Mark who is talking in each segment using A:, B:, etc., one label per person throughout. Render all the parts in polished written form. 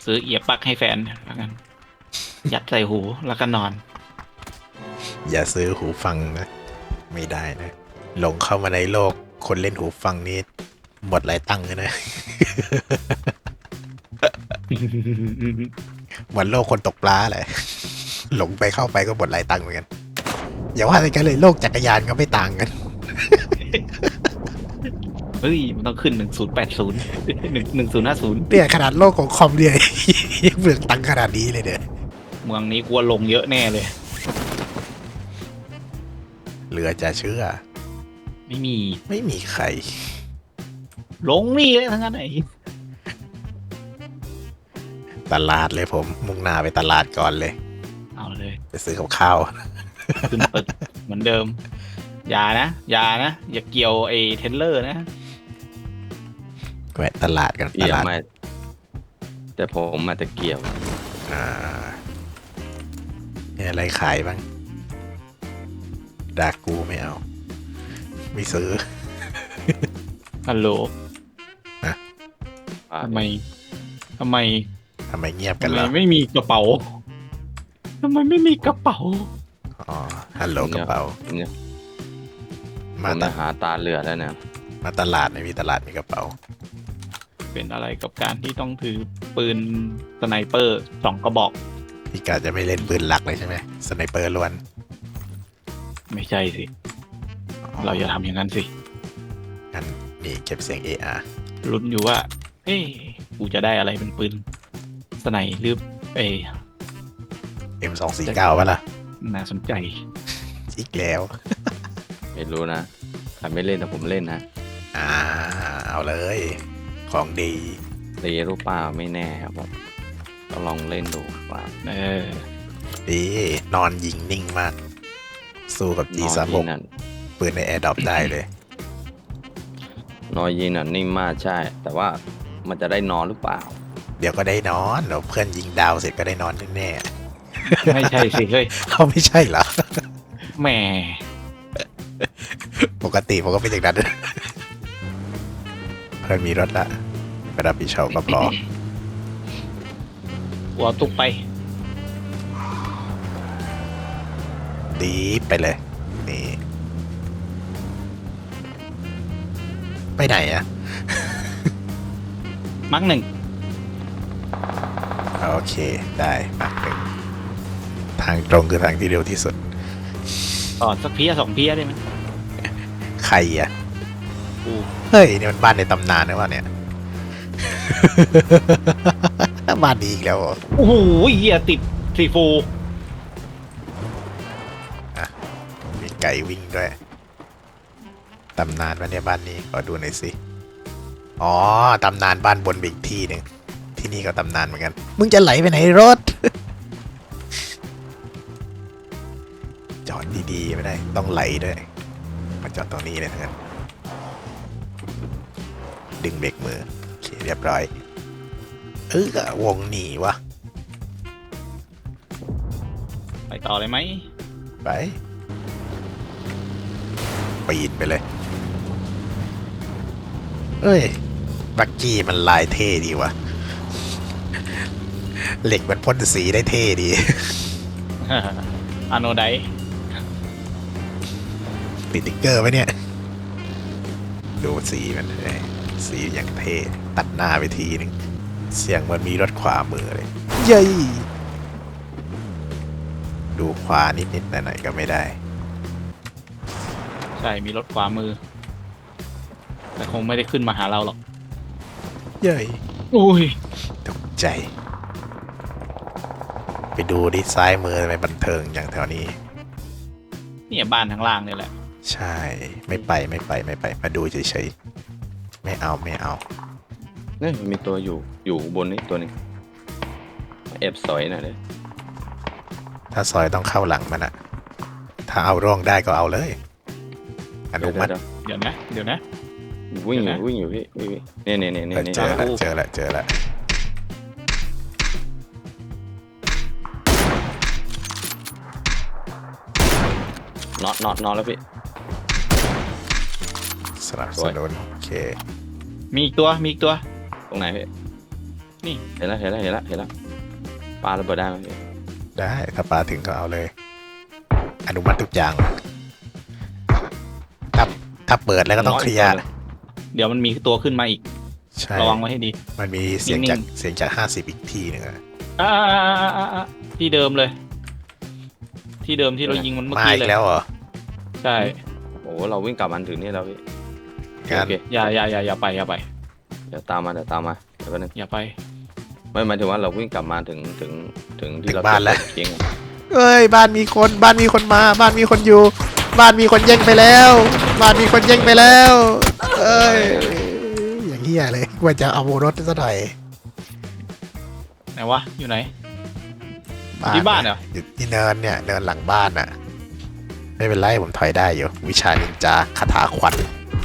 A: ซื้อเอียบปลั๊กให้แฟนแล้วกันยัดใส่หูแล้วก็นอน
B: อย่าซื้อหูฟังนะ ไม่ได้นะ หลงเข้ามาในโลกคนเล่นหูฟังนี้หมดหลายตังค์เลยนะ เหมือนโลกคนตกปลาแหละ หลงไปเข้าไปก็หมดหลายตังค์เหมือนกัน อย่าว่าแต่กันเลยโลกจักรยานก็ไม่ต่างกัน
A: เฮ้ยมันต้องขึ้น10801050
B: เนี่ยขนาดโลกของคอมเนี่ย ยังเปลืองตังค์ขนาดนี้เลยเนี่ย
A: เมืองนี้กลัวลงเยอะแน่เลย
B: เหลือจะเชื่อ
A: ไม่มี
B: ไม่มีใคร
A: ลงนี่เลยทั้งนั้นไหน
B: ตลาดเลยผม มุ่งหน้าไปตลาดก่อนเลย
A: เอาเลย
B: ไปซื้อกับข้าว
A: ขึ้นตึกเหมือนเดิม อย่านะอย่าเกี่ยวไอ้เทรลเลอร์นะ
B: แวะตลาดกันต
C: เกี่ยว
B: ลาด
C: ไม่แต่ผมอาจจะเกี่ยว
B: อ่ามีอะไรขายบ้างดากูไม่เอา ไม่ซื้อ
A: ฮัลโหล
C: อ่า
A: ทำไมทำไม
B: ทำไมเงียบกั
A: ทำ
B: น
A: ไม
B: ล่ะ
A: ไม่มีกระเป๋าทำไมไม่มีกระเป๋า
B: อ๋อ ฮัลโหลกระเป๋า
C: เนี่ยผม
B: มาต
C: จะหาตาเหลือแล้วนะ
B: มาตลาดไม่มีตลาดมีกระเป๋า
A: เป็นอะไรกับการที่ต้องถือปืนสไนเปอร์2 กระบอก
B: พี่กาจะไม่เล่นปืนหลักเลยใช่ไหมสไนเปอร์ล้วน
A: ไม่ใช่สิ เราอย่าทำอย่างนั้นสิ
B: งั้นนี่เก็บเสียง AR
A: ลุ้นอยู่ว่า เอ้กูจะได้อะไรเป็นปืนสไนหรือเอ้
B: M249 ป่ะล่ะ
A: น่าสนใจ
B: อีกแล้ว
C: ไม่รู้นะใครไม่เล่นแต่ผมเล่นนะ
B: อ่า เอาเลย ของดี
C: ตีรูปเปล่าไม่แน่ครับผมก็ลองเล่นดูว่า
A: เออ
B: ดี นอนยิงนิ่งมาก สู้กับ
C: นอย
B: G36
C: ยิงน่ะ
B: ปืนในแอร์ดรอปได้เลย
C: นอยยิงน่ะนิ่มมากใช่ แต่ว่ามันจะได้นอนหรือเปล่า
B: เดี๋ยวก็ได้นอนเดี๋ยวเพื่อนยิงดาวเสร็จก็ได้นอนแน่
A: ไม่ใช่สิเฮ้ย
B: ๆเขาไม่ใช่เหรอ
A: แหม
B: ปกติผมก็เป็นอย่างนั้น เพื่อนมีรถละไปรับผิดชอบก็พอ
A: หัวตุกไป
B: ดีไปเลย นี่ ไปไหนอะ
A: มักหนึ่ง
B: โอเค ได้มาหนึ่งทางตรงคือทางที่เร็วที่สุด
A: ต่อสักเพีย2 เพียได้ไหม
B: ใครอะ
A: กู
B: เฮ้ย นี่มันบ้านในตำนานนะวะเนี่ย บ้านดีอีกแล้วเหรอ
A: โอ้โหเหี้ยติดซีฟู
B: มีไก่วิ่งด้วย ตำนานวะเนี่ยบ้านนี้ขอดูหน่อยสิ อ๋อ ตำนานบ้านบนไปอีกที่หนึ่ง ที่นี่ก็ตำนานเหมือนกัน มึงจะไหลไปไหนรถ จอดดีๆไม่ได้ ต้องไหลด้วย มาจอดตรงนี้เลยทั้งนั้น ดึงเบรกมือ โอเคเรียบร้อย วงหนีวะ
A: ไปต่อเลยไหม
B: ไป ปีนไปเลย เอ้ย บักกี้มันลายเท่ดีวะ เหล็กมันพ่นสีได้เท่ดี
A: อาโนได
B: ติดติ๊กเกอร์ไหมเนี่ย ดูสีมันเลยสีอย่างเท่ตัดหน้าไปทีนึง เสียงมันมีรถขวามือเลยเย้ยดูขวานิดๆหน่อยๆก็ไม่ได้
A: ใช่มีรถขวามือ แต่คงไม่ได้ขึ้นมาหาเราหรอก
B: เย้ย
A: อุ้ย
B: ตกใจ ไปดูดิซ้ายมือไปบันเทิงอย่างแถวนี้
A: เนี่ยบ้านทางล่างเนี่ยแหละ
B: ใช่ ไม่ไป มาดูเฉยๆ ไม่เอา
C: เนี่ยมีตัวอยู่บนนี้ตัวนี้แอบสอยหน่อยเลย
B: ถ้าซอยต้องเข้าหลังมันอะถ้าเอาร่องได้ก็เอาเลย อนุมัติ
A: เดี๋ยวนะ
C: วิ่งอ
A: เดี๋ยวนะ
C: ยู่วิ่งอยู่พี่วิ่งเนี่ย
B: เจอละ
C: น็อตแล้วพี่
B: สนับสนุนโอเค
A: มีอีกตัว
C: ตรงไหนพี่
A: นี่
C: เห็นแล้วปลาระเบิดได้ไหมพี่
B: ได้ถ้าปลาถึงก็เอาเลย อนุมัติทุกอย่างถ้าเปิดแล้วก็ต้องเคลียร์
A: เดี๋ยวมันมีตัวขึ้นมาอีก
B: ใช่
A: ระวังไว้ให้ดี
B: มันมีเสียง
A: นิ่
B: จาก
A: ง
B: เสียงจาก50อีกทีหนึงอะ
A: ที่เดิมเลย ที่เดิมที่เรายิงมันเมื่อ
B: มา
A: กี้
B: อี
A: เล
B: ก
A: ย
B: แล้วเหรอ
A: ใช่
C: โอ้โหเราวิ่งกลับมันถึงนี่แล้วพี่
B: งั้น
C: โอเค
A: อย่าไป
C: เดี๋ยวตามมาเดี๋ยวแป๊บนึง
A: อย่าไป
C: ไม่หมายถึงว่าเราวิ่งกลับมาถึงที่เรา
B: บ้านแล้ว
C: เก่งอะ
B: เอ้ยบ้านมีคนมา บ้านมีคนอยู่ บ้านมีคนแย่งไปแล้ว บ้านมีคนแย่งไปแล้วเอ้ยอย่างเหี้ยเลยว่าจะเอารถซะหน่อย
A: ไหนวะอยู่ไหน ที่บ้านเหรอ
B: อยู่ที่เนินเนี่ยเนินหลังบ้านน่ะ ไม่เป็นไรผมถอยได้อยู่ วิชานินจาคาถาขวัญ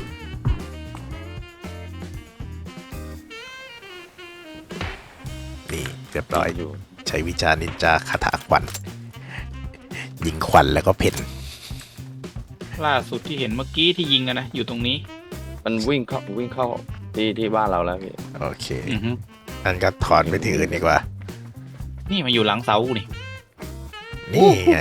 B: นี่เรียบร้อย
C: อยู่
B: ใช้วิชานินจาคาถาขวัญยิงขวัญแล้วก็เพ่น
A: ล่าสุดที่เห็นเมื่อกี้ที่ยิงกันนะอยู่ตรงนี้
C: มันวิ่งเข้าที่บ้านเราแล้วพี่
B: โอเค
A: อือฮึ
B: นั่นก็ถอนไปที่อื่นดีกว่า
A: นี่มาอยู่หลังเสากูนี่
B: นี่ไง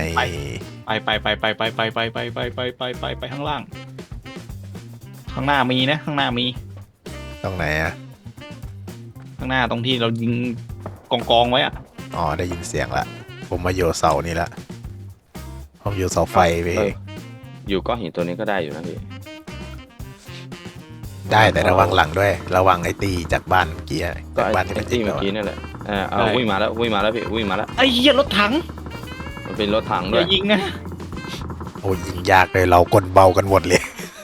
A: ไปข้างล่าง ข้างหน้ามีนะ ข้างหน้ามี
B: ตรงไหนอ่ะ
A: ข้างหน้าตรงที่เรายิงกองไว้อะ
B: อ๋อได้ยินเสียงละ ผมมาโยเสานี่ละผมโยเสาไฟไป
C: เอออยู่ก้อนหินตัวนี้ก็ได้อยู่นะพี่
B: ได้แต่ระวังหลังด้วย ระวังไอ้ตีจากบ้านเมื่อกี้อะ
C: ก็
B: จาก
C: ไอ้
B: บ้านที่
C: ไอ้
B: มันยิ
C: ตี้
B: ง
C: เมื่
B: เรา
C: อกี้
B: อะ
C: นั่นแหละเอาวิ่งมาแล้วพี่วิ่งมาแล้ว
A: ไอ้เหี้ยรถถัง
C: มันเป็นรถถัง
A: อ
C: ด้วย
A: ย่ายิงนะ
B: โอ้ยยิงยากเลยเรากลเบากันหมดเลย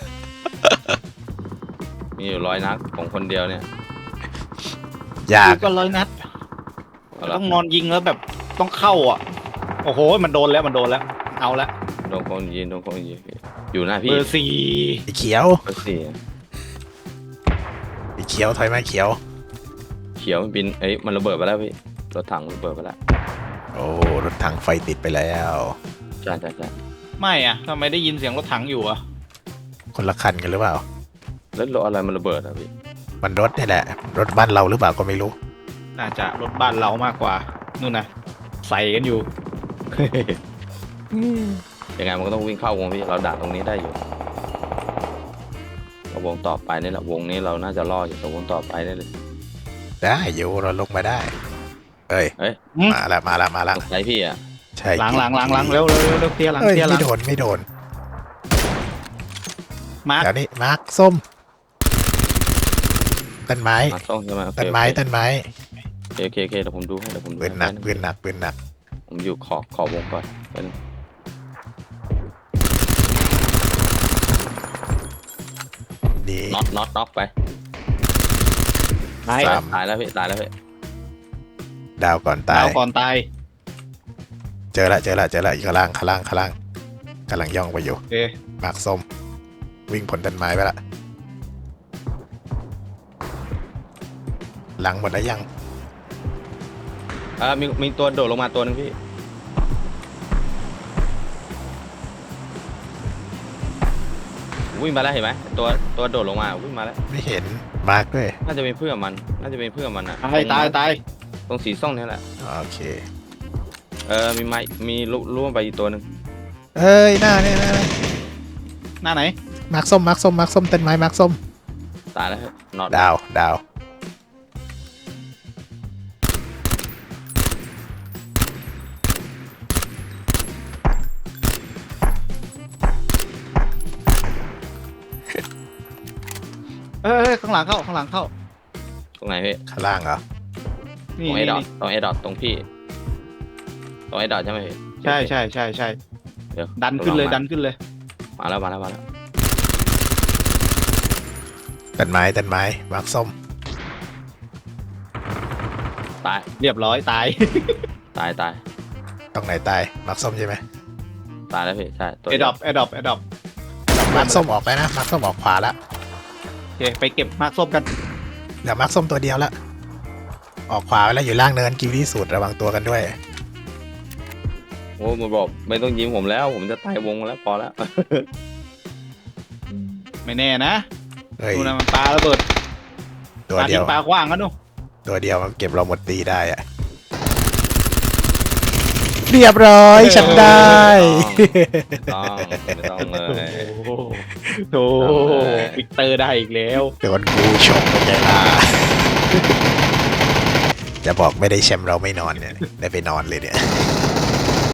C: มีอยู่100 นัดของคนเดียวเนี่ย
B: ยาก
A: ยิงก็100 นัด
C: เอาละ
A: ต้องนอนยิงแล้วแบบต้องเข้าอ่ะ โอ้โหมันโดนแล้วเอาละ
C: โดนคนยิงพี่อยู่หน้าพี่
A: เบอร์สี่
B: ไอ้เขียว
C: เบอร์สี่
B: ไอ้เขียวถอยมาเขียว
C: เขียวมันบินมันระเบิดไปแล้วพี่รถถังระเบิดไปแล้ว
B: โอ้รถถังไฟติดไปแล้ว
C: ใช่
A: ไม่อ่ะทำไมได้ยินเสียงรถถังอยู่อ่ะ
B: คนละคันกันหรือเปล่า
C: แล้วรถอะไรมันระเบิดอ่ะพี่
B: มันรถนี่แหละ รถบ้านเราหรือเปล่าก็ไม่รู้
A: น่าจะรถบ้านเรามากกว่านู่นนะใส่กันอยู่
C: ยังไงมันก็ต้องวิ่งเข้าวงพี่เราดักตรงนี้ได้อยู่เราวงต่อไปนี่แหละวงนี้เราน่าจะรอดอยู่แต่วงต่อไปได้เลย
B: ได้อยู่เราลงมาได้ เอ้ย
A: อืม
B: มาละ
C: ตกใจพี่อ่ะ
B: ใช่
A: หลัง
B: จริ
A: เร็วเคลียร์หลัง
B: เอ้ย
A: เคลียร์หลั
B: ไม่
A: ง
B: โดน
A: มาร์ค
B: เดี๋ยวนี้มาร์คส้มต้นไม้
C: มาต้องใช่ไหมโอเค
B: ต้นไม้
C: โอเค
B: ต้นไม้
C: โอเคเดี๋ยวผมดูให้
B: ปืนหนักปืนหนักปืนหนัก
C: ผมอยู่ขอบวงก่อนเป็น
B: นี่
C: น็อตไป
A: ตาย
B: สาม
C: ตายแล้วพี่
B: ดาวก่อนตา
A: ดาวย ก่อนตาย
B: เจอละอีกข้างล่างกำลังย่องไปอยู่
A: โอเค
B: มาร์คส้มวิ่งผลต้นไม้ไปละหลังหมดแล้วยัง
C: มีตัวโดดลงมาตัวนึงพี่วิ่งมาแล้วเห็นไหมตัวโดดลงมาวิ่งมาแล้ว
B: ไม่เห็นมาร์คด้วย
C: น่าจะเป็นเพื่อนมันอ่ะ
A: ตาย
C: ตรงสีส้มนี่แหละ
B: โอเค
C: มีไม้มีล่วงไปอีกตัวนึง
B: เอ้ยหน้าเนี่ย
A: หน้าไหน
B: มาร์คส้มต้นไม้มาร์คส้ม
C: ตายแล้วน็อต
B: ดาว
A: ข้างหลังเข้า
C: ตรงไหนพี่
B: ข้างล่างเหรอ
C: ต
A: นี่
C: รงไอ้ดอทตรงไอ้ดอทตรงพี่ตรงไอ้ดอทใช่ไหมพี่
A: ใช่
C: เดี๋ยว
A: ดันขึ้นเลย
C: มาแล้ว
B: ต้นไม้มาร์คส้ม
C: ตาย
A: เรียบร้อยตาย
C: ตาย
B: ตรงไหนตายมาร์คส้มใช่ไหม
C: ตายแล้วพี่ใช่ตัว
A: ไอ้ดรอป
B: มาร์คส้มออกไปนะมาร์คส้มออกขวาละ
A: โอเคไปเก็บมาร์คส้มกัน
B: เดี๋ยวมาร์คส้มตัวเดียวละออกขวาไปแล้วอยู่ล่างเนินกิวที่สุดระวังตัวกันด้วย
C: โอ้มันบอกไม่ต้องยิงผมแล้ว ผมจะตายวงแล้วพอแล้ว
A: ไม่แน่นะ
B: เฮ้ย
A: ดูนะมันปาระเบิด
B: ตัวเดียว
A: ปาขว้างกันดู
B: ตัวเดียวมันเก็บเราหมดตีได้อะเรียบร้อยฉันได้
C: ไม่ต้องเลย
A: โอ้โหวิกเตอร์ได้อีกแล้ว
B: โดนกูชมเป็นไงล่ะจะบอกไม่ได้แชมป์เราไม่นอนเนี่ย ได้ไปนอนเลยเนี่ย